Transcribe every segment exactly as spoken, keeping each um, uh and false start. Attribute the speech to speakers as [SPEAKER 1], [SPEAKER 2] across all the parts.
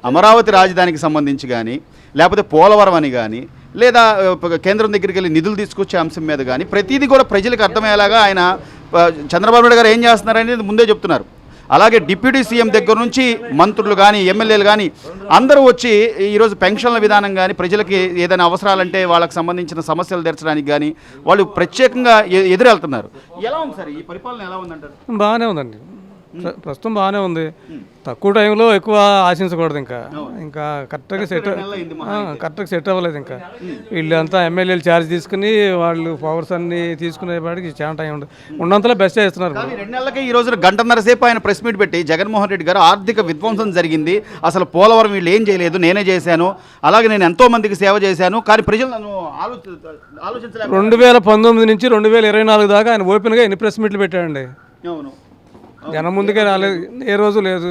[SPEAKER 1] అమరావతి రాజధానికి సంబంధించి కానీ లేకపోతే పోలవరం అని కానీ లేదా కేంద్రం దగ్గరికి వెళ్ళి నిధులు తీసుకొచ్చే అంశం మీద కానీ ప్రతిదీ కూడా ప్రజలకు అర్థమయ్యేలాగా ఆయన చంద్రబాబు నాయుడు గారు ఏం చేస్తున్నారనేది ముందే చెప్తున్నారు. అలాగే డిప్యూటీ సీఎం దగ్గర నుంచి మంత్రులు కానీ ఎమ్మెల్యేలు కానీ అందరూ వచ్చి ఈరోజు పెన్షన్ల విధానం కానీ ప్రజలకి ఏదైనా అవసరాలంటే వాళ్ళకి సంబంధించిన సమస్యలు తీర్చడానికి కానీ వాళ్ళు ప్రత్యేకంగా ఎదురెళ్తున్నారు. ఎలా ఉంది సార్ ఈ పరిపాలన, ఎలా ఉందంటారు?
[SPEAKER 2] బాగానే ఉందండి, ప్రస్తుతం బాగానే ఉంది. తక్కువ టైంలో ఎక్కువ ఆశించకూడదు. ఇంకా ఇంకా కరెక్ట్గా సెట్ కరెక్ట్గా సెట్ అవ్వలేదు. ఇంకా వీళ్ళంతా ఎమ్మెల్యేలు ఛార్జ్ తీసుకుని వాళ్ళు పవర్స్ అన్ని తీసుకునేవాడికి చాలా టైం ఉండదు. ఉన్నంతలో బెస్ట్ చేస్తున్నారు.
[SPEAKER 1] రెండు నెలలకి ఈ రోజున గంటన్నర సేపు ఆయన ప్రెస్ మీట్ పెట్టి జగన్మోహన్ రెడ్డి గారు ఆర్థిక విధ్వంసం జరిగింది, అసలు పోలవరం వీళ్ళు ఏం చేయలేదు, నేనే చేశాను, అలాగే నేను ఎంతో మందికి సేవ చేశాను, కానీ ప్రజలు నన్ను ఆలోచించలేదు.
[SPEAKER 2] రెండు వేల పంతొమ్మిది నుంచి రెండు వేల ఇరవై నాలుగు దాకా ఆయన ఓపెన్గా ఎన్ని ప్రెస్ మీట్లు పెట్టాడండి.
[SPEAKER 1] అవును,
[SPEAKER 2] జనం ముందుకే రాలేదు, ఏ రోజు లేదు.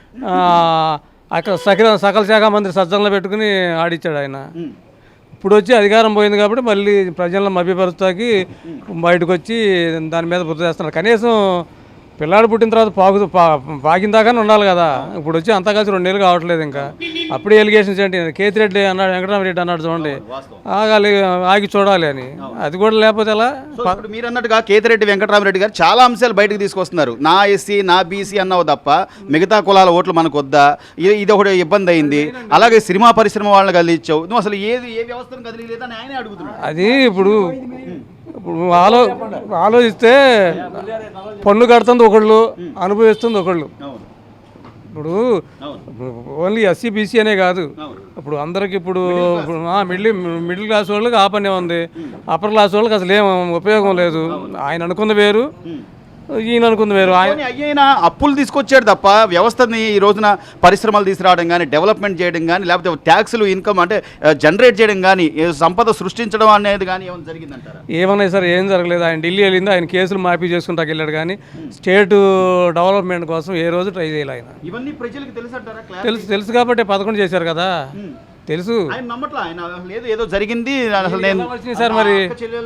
[SPEAKER 2] అక్కడ సకల సకల శాఖ మంత్రి సజ్జనలో పెట్టుకుని ఆడిచ్చాడు ఆయన. ఇప్పుడు వచ్చి అధికారం పోయింది కాబట్టి మళ్ళీ ప్రజలను మభ్యపరుస్తాకి బయటకు వచ్చి దాని మీద బుద్ధి చేస్తున్నారు. కనీసం పిల్లాడు పుట్టిన తర్వాత పాకు పాకిన దాకానే ఉండాలి కదా. ఇప్పుడు వచ్చి అంతా కలిసి రెండు నెలలు కావట్లేదు. ఇంకా అప్పుడే ఎలిగేషన్స్ ఏంటి, కేతిరెడ్డి అన్నాడు, వెంకటరామరెడ్డి అన్నాడు చూడండి, ఆగాలి ఆగి చూడాలి అని. అది కూడా లేకపోతే ఎలా?
[SPEAKER 1] మీరు అన్నట్టుగా కేతిరెడ్డి వెంకటరామరెడ్డి గారు చాలా అంశాలు బయటకు తీసుకొస్తున్నారు. నా ఎస్సీ నా బీసీ అన్నావు తప్ప మిగతా కులాల ఓట్లు మనకు వద్దా, ఇది ఒకటి ఇబ్బంది అయింది. అలాగే సినిమా పరిశ్రమ వాళ్ళని కదిలించావు, నువ్వు అసలు ఏది ఏ వ్యవస్థను కదిలేదని ఆయనే అడుగుతున్నాడు.
[SPEAKER 2] అది ఇప్పుడు ఇప్పుడు ఆలో ఆలోచిస్తే పన్ను కడుతుంది ఒకళ్ళు, అనుభవిస్తుంది ఒకళ్ళు. ఇప్పుడు ఓన్లీ ఎస్సీ బీసీ అనే కాదు, ఇప్పుడు అందరికి ఇప్పుడు మిడిల్ మిడిల్ క్లాస్ వాళ్ళకి ఆ పనే ఉంది, అప్పర్ క్లాస్ వాళ్ళకి అసలు ఏం ఉపయోగం లేదు. ఆయన అనుకున్న వేరు, ఈయన అనుకుంది వేరు. ఆయన
[SPEAKER 1] అయ్యైనా అప్పులు తీసుకొచ్చాడు తప్ప వ్యవస్థని ఈ రోజున పరిశ్రమలు తీసుకురావడం కానీ, డెవలప్మెంట్ చేయడం కానీ, లేకపోతే ట్యాక్సులు ఇన్కమ్ అంటే జనరేట్ చేయడం కానీ, సంపద సృష్టించడం అనేది కానీ ఏమైనా జరిగిందంటారా?
[SPEAKER 2] ఏమన్నాయి సార్, ఏం జరగలేదు. ఆయన ఢిల్లీ వెళ్ళింది, ఆయన కేసులు మాఫీ చేసుకుంటాకి వెళ్ళాడు కానీ స్టేట్ డెవలప్మెంట్ కోసం ఏ రోజు ట్రై చేయాలి ఆయన.
[SPEAKER 1] ఇవన్నీ ప్రజలకు తెలుసు అంటారా?
[SPEAKER 2] తెలుసు తెలుసు కాబట్టి పదకొండు చేశారు కదా, తెలుసు.
[SPEAKER 1] ఆయన నమ్మట్లా, ఆయన లేదు ఏదో జరిగింది అసలు నేను
[SPEAKER 2] వచ్చినాయి సార్. మరి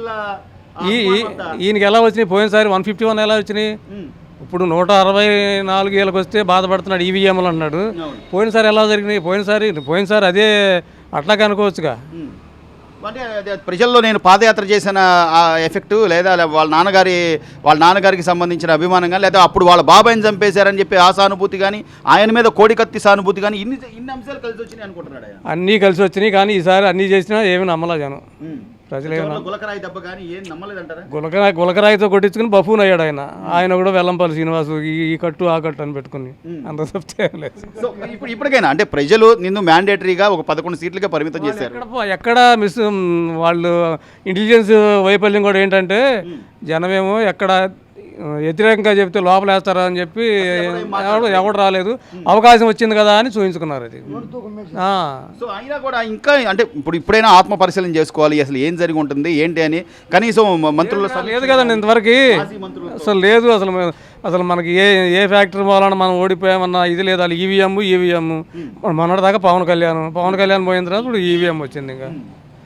[SPEAKER 2] ఈ ఈయనకి ఎలా వచ్చినాయి? పోయినసారి వన్ ఫిఫ్టీ వన్ ఎలా వచ్చినాయి? ఇప్పుడు నూట అరవై నాలుగు ఏళ్ళకి వస్తే బాధపడుతున్నాడు ఈవీఎంలు అన్నాడు. పోయినసారి ఎలా జరిగినాయి? పోయినసారి పోయినసారి అదే అట్లాగే అనుకోవచ్చుగా.
[SPEAKER 1] అంటే ప్రజల్లో నేను పాదయాత్ర చేసిన ఆ ఎఫెక్టు, లేదా వాళ్ళ నాన్నగారి వాళ్ళ నాన్నగారికి సంబంధించిన అభిమానం కానీ, లేదా అప్పుడు వాళ్ళ బాబాయిని చంపేశారని చెప్పి ఆ సానుభూతి కానీ, ఆయన మీద కోడికత్తి సానుభూతి కానీ, ఇన్ని ఇన్ని అంశాలు కలిసి వచ్చినాయి అనుకుంటున్నాడు.
[SPEAKER 2] అన్నీ కలిసి వచ్చినాయి కానీ ఈసారి అన్నీ చేసినా ఏమి నమ్మలా జనం. ప్రజలు
[SPEAKER 1] గులకరాయి దెబ్బ కానీ ఏం నమ్మలేదంటారా?
[SPEAKER 2] గులకరాయి గులకరాయితో కొట్టించుకుని బఫూన్ అయ్యాడు ఆయన. ఆయన కూడా వెల్లంపల్లి శ్రీనివాసు ఈ కట్టు ఆ కట్టు అని పెట్టుకుని అంత చెప్తే లేదు.
[SPEAKER 1] సో ఇప్పుడు ఇప్పటికైనా అంటే ప్రజలు నిన్ను మ్యాండేటరీగా ఒక పదకొండు సీట్లుగా పరిమితం చేశారు.
[SPEAKER 2] ఎక్కడ మిస్ వాళ్ళు ఇంటెలిజెన్స్ వైఫల్యం కూడా ఏంటంటే జనమేమో ఎక్కడ వ్యతిరేకంగా చెప్తే లోపల వేస్తారా అని చెప్పి ఎవడు ఎవడు రాలేదు, అవకాశం వచ్చింది కదా అని చూపించుకున్నారు. అది
[SPEAKER 1] సో అయినా కూడా ఇంకా అంటే ఇప్పుడు ఇప్పుడైనా ఆత్మ పరిశీలన చేసుకోవాలి, అసలు ఏం జరిగి ఉంటుంది ఏంటి అని. కనీసం మంత్రులు
[SPEAKER 2] లేదు కదండి ఇంతవరకు, అసలు లేదు. అసలు అసలు మనకి ఏ ఏ ఫ్యాక్టరీ పోవాలన్నా మనం ఓడిపోయామన్నా ఇది లేదు. వాళ్ళు ఈవీఎం ఈవీఎం మొన్నటి దాకా పవన్ కళ్యాణ్ పవన్ కళ్యాణ్ పోయిన తర్వాత ఇప్పుడు ఈవీఎం వచ్చింది. ఇంకా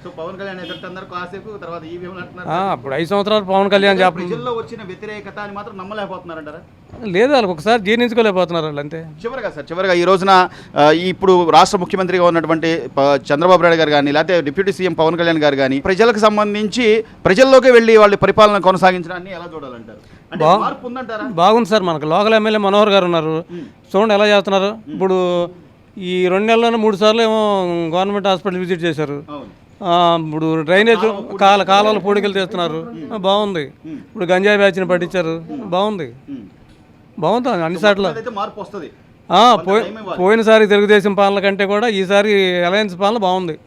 [SPEAKER 2] అప్పుడు ఐదు సంవత్సరాలు పవన్ కళ్యాణ్
[SPEAKER 1] ప్రజల్లో వచ్చిన వ్యతిరేకత అని మాత్రం నమ్మలేకపోతున్నారంటారా?
[SPEAKER 2] లేదు, వాళ్ళకి ఒకసారి జీర్ణించుకోలేకపోతున్నారు వాళ్ళు, అంతే.
[SPEAKER 1] చివరిగా సార్, చివరిగా ఈ రోజున ఇప్పుడు రాష్ట్ర ముఖ్యమంత్రిగా ఉన్నటువంటి చంద్రబాబు నాయుడు గారు కానీ, లేకపోతే డిప్యూటీ సీఎం పవన్ కళ్యాణ్ గారు కానీ ప్రజలకు సంబంధించి ప్రజల్లోకి వెళ్ళి వాళ్ళ పరిపాలన కొనసాగించడాన్ని ఎలా చూడాలంటారు?
[SPEAKER 2] బాగుంది సార్. మనకు లోకల్ ఎమ్మెల్యే మనోహర్ గారు ఉన్నారు, చూడండి ఎలా చేస్తున్నారు. ఇప్పుడు ఈ రెండు నెలల్లోనే మూడు సార్లు ఏమో గవర్నమెంట్ హాస్పిటల్ విజిట్ చేశారు. ఇప్పుడు డ్రైనేజ్ కాల కాలువలు పూడికలు తీస్తున్నారు, బాగుంది. ఇప్పుడు గంజాయి బ్యాచ్ని పట్టించారు, బాగుంది బాగుంది అన్ని సార్లు. పోయినసారి తెలుగుదేశం పాలన కంటే కూడా ఈసారి అలయన్స్ పాలన బాగుంది.